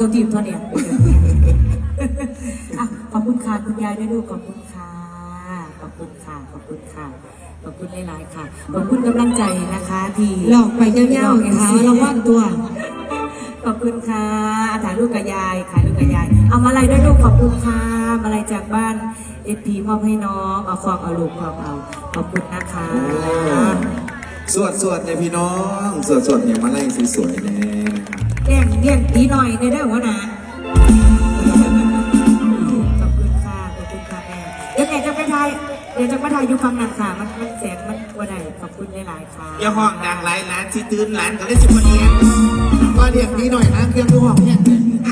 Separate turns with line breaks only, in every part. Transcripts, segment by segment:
ตัวทีมเท่านี้ขอบคุณค่ะคุณยายด้วยลูกขอบคุณค่ะขอบคุณค่ะขอบคุณค่ะขอบคุณหลายๆค่ะขอบคุณกำลังใจนะคะที่
หลอกไปเย้าๆไงคะเราว่างตัว
ขอบคุณค่ะถ่ายรูปกับยายถ่ายรูปกับยายเอามาอะไรด้วยลูกขอบคุณค่ะมาอะไรจากบ้านเอพีมอบให้น้องเอาฟองเอาลูกฟองเอาขอบคุณนะคะ
สวดเนี่ยพี่น้องสวดเนี่ยมาไล่สวยๆเนี่ย
เลี้ยงดีหน่อยได้หัวหน้าขอบคุณค่ะขอบคุณค่ะแม่เดี๋ยวจะไปถ่ายอยู่ฟังนันค่ะมันแสงมันตัวใดขอบคุณหลายๆค่ะ
อย่าห้องดังหลายร้านที่ตื่นร้านก็ได้สิบคนเองก็เรียกนี้หน่อยนะเครื่องดูห้องเนี่ย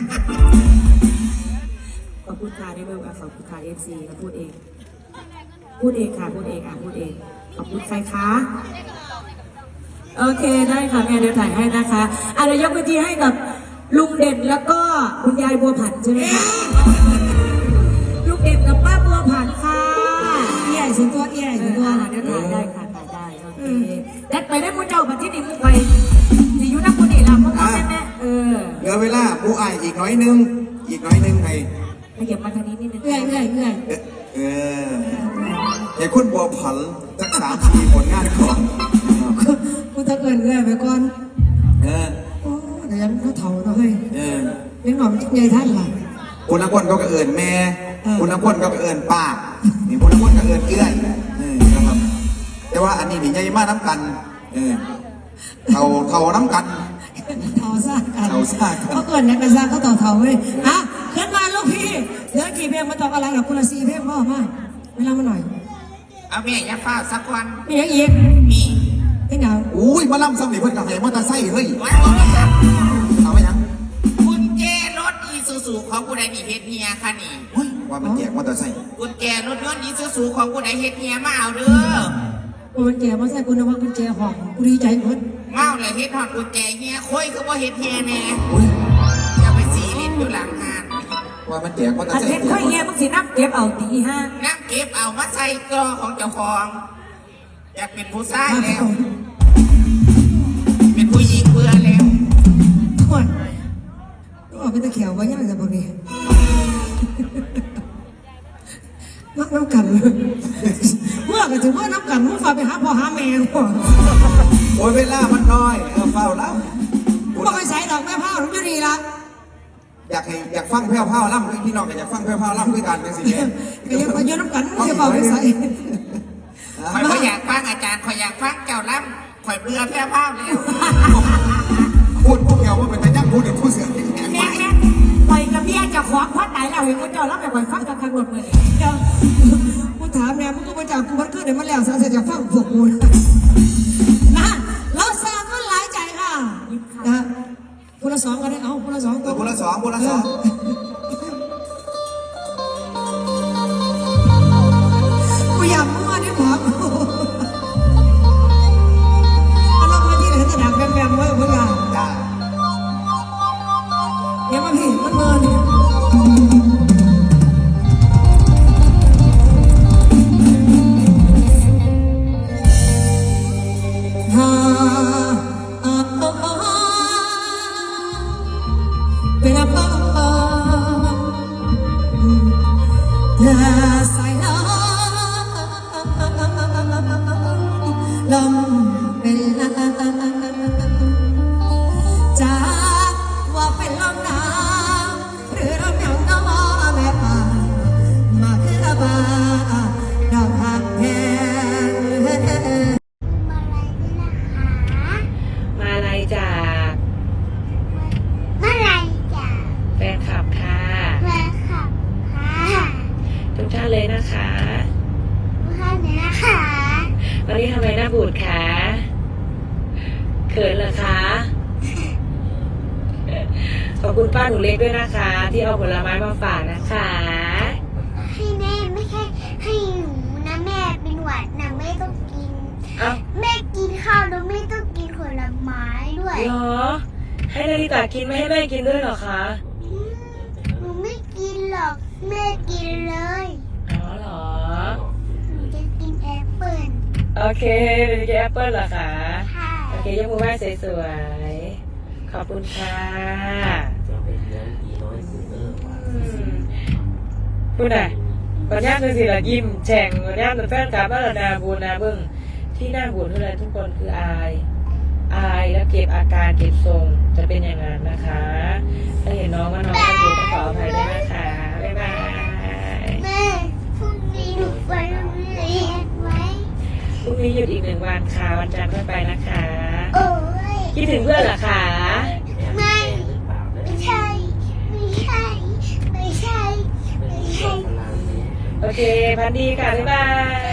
ขอบคุณค่ะได้เลยขอบคุณค่ะFCพูดเองค่ะพูดเองขอบคุณใครคะโอเคได้ค่ะแม่เดี๋ยวถ่ายให้นะคะเดี๋ยวยกพื้นที่ให้กับลุงเด่นแล้วก็คุณยายบัวผันใช่ไหมคะลุงเด่นกับป้าบัวผันค่ะ
ใหญ่สุดตัวใหญ่สุดตัว
เดี๋ยวถ่ายได้ค่ะถ่ายได้โอเคแดดไปได้มุ้งเจ้าปัจจุบันมุ้งไปสิยุนักบุญนี่เราเพราะว่าแม่
เหลือเวลาผู้อายอีกน้อยนึงให้
ขยับมาทางนี้นิดนึง
เงื่อน
ให้คุณบัวผันสัก3-4ผลงานก่อน
กูจะเงื่อนไปก่อนโอ้เดี๋ยวเขาเถาเนาะเฮ้ยเลี้ยงหน่อมใหญ่ท่านล่ะ
คุณนักวนก็เอิญแม่คุณนักวนก็เอิญป้านี่คุณนักวนก็เอิญเอื้อยนะครับแต่ว่าอันนี้นี่ใหญ่มากน้ำกันเท่าน้ำกัน
เถาซ่ากันเขาเกิดในกระซ่าเขาเถาเว้ยขึ้นมาลูกพี่เดี๋ยวกี่เพลงมาตอบอะไรกับคุณละ4 เพลงพ่อมาเวลามาหน่อย
เอาแม่อย่าฟ้าสักวัน
มีอย่างอีก
มี
ที่ไหน
อุ้ยมาล่ำซ้ำหนิเพื่อนกับใครมอเตอร์ไซค์เฮ้ยเอาไหมยัง
กุญแจรถอีซูซูของผู้ใดมีเพชรเฮียค่ะนี่
ว่ามันแจกมอเตอร์ไซค์
กุญแจรถยนต์อีซูซูของผู้ใดเฮ็ดเฮียมาเอาเด้อ
กุญแจมาใส่คุณว่ากุญแจห้องกูดีใจหมด
เมาเลยเฮ็ดหอดกุญแจเฮียคุยคือว่าเฮ็ดเฮียแน่จะไปสีลิ้นอยู่หลังงาน
ว่ามันแจกมอเตอร์ไซค์
เห็นค่อยเงี้ยมึงสินับเก็บเอาตีห้า
นับเก็บเอามาใส่กล้อของเจ้าของอยากเป็นผู้ชายแล้วเป็นผู้หญิงเบื่อแล้ว
ทุกคนก็เป็นตะเขียวว่าย่างจะบอกนี่นักน้ำกันเมื่อกันถึงเมื่อน้ำกันมึงฝากไปหาพ่อหาแม่ก่อน
โอ้ยเวลามันน้อยเฝ้าแล้ว
มึงไปใส่ดอกแม่ผ้าหรือจะดีละ
อยากฟังแผ่วๆล่ำพี่น้องอยากฟังแผ่วๆล่ำด้วยกันเป็นสิ่งนี้
ก็ยังมาโยนน้ำกันมึงจะเฝ้าไปใส่
คอยอยากฟังอาจารย์คอยอยากฟังเจ้าล่ำคอยเบื่อแพ้ผ้าแล้ว
พูดพวกเดียวว่าเป็นแต่ยักษ์พูดเดี๋ยวพูดเสียง
แม่ปล่อยกับเบี้ยจะขอพัดไหนเราเห็นว่าเจ้ารับไปปล่อยฟังกับทางหมดเลย
เจ้ากูถามแม่มึงก็มาจากกูมันขึ้นเดี๋ยวมันแล้วเสร็จจะฟังพวกกูนะเราสร้างมันหลายใจค่ะนะคนละ2กันได้เอาคนละ2ตัว
คนละ2
กูอยากมั่วนี่หมอเรามาที่ไหนจะดังแบมๆไว้เพื่อนเดี๋ยวมาพี่มันเมินเป็นอะไรสายน้ำลมเป็นจากว่าเป็นลมหนาวหรือลมหนาวน้อแม่ป่ามาคือบ้าดาวหักแพง
มาอะไรจากแฟนคลับค่ะทุกท่านเลยนะคะวันนี้ทำไมหน้าบูดคะเขินเหรอคะขอบคุณป้าหนูเล็กด้วยนะคะที่เอาผลไม้มาฝากนะคะ
ให้แม่ไม่ใช่ให้หนูนะแม่เป็นหวัดนะไม่ต้องกินแม่กินข้าวแล้วไม่ต้องกินผลไม้ด้วย
เหรอให้นาฬิตากินไม่ให้แม่กินด้วยเหรอคะ
หนูไม่กินหรอกแม่กินเลย
อ๋อเหรอ
หนูจะกินแอปเปิ้ล
โอเคเป็นแอปเปิ้ลเหรอคะโอเคยกมือไหว้สวยๆขอบคุณค่ะพูดไหนปัญญาคือสิละยิ้มแฉ่งปัญญาเป็นแฟนคลับมาละนาบูนาเบิ้งที่หน้าบูนเท่าไรทุกคนคืออายแล้วเก็บอาการเก็บทรงจะเป็นอย่างนั้นนะคะถ้าเห็นน้องว่าน้องไม่อยู่ก็ขออภัยด้วยนะคะบ๊ายบาย
แม่พรุ่งนี้หนูไปโรงเรียนไหม
พรุ่งนี้หยุดอีก1 วันค่ะวันจันทร์ค่อยไปนะคะ
โอ้ย
คิดถึงเพื่อนเหรอคะ
ไม่ใช่ไม่ใช่ไม่ใช่ไม่ใช่
โอเคพันดีค่ะบ๊ายบาย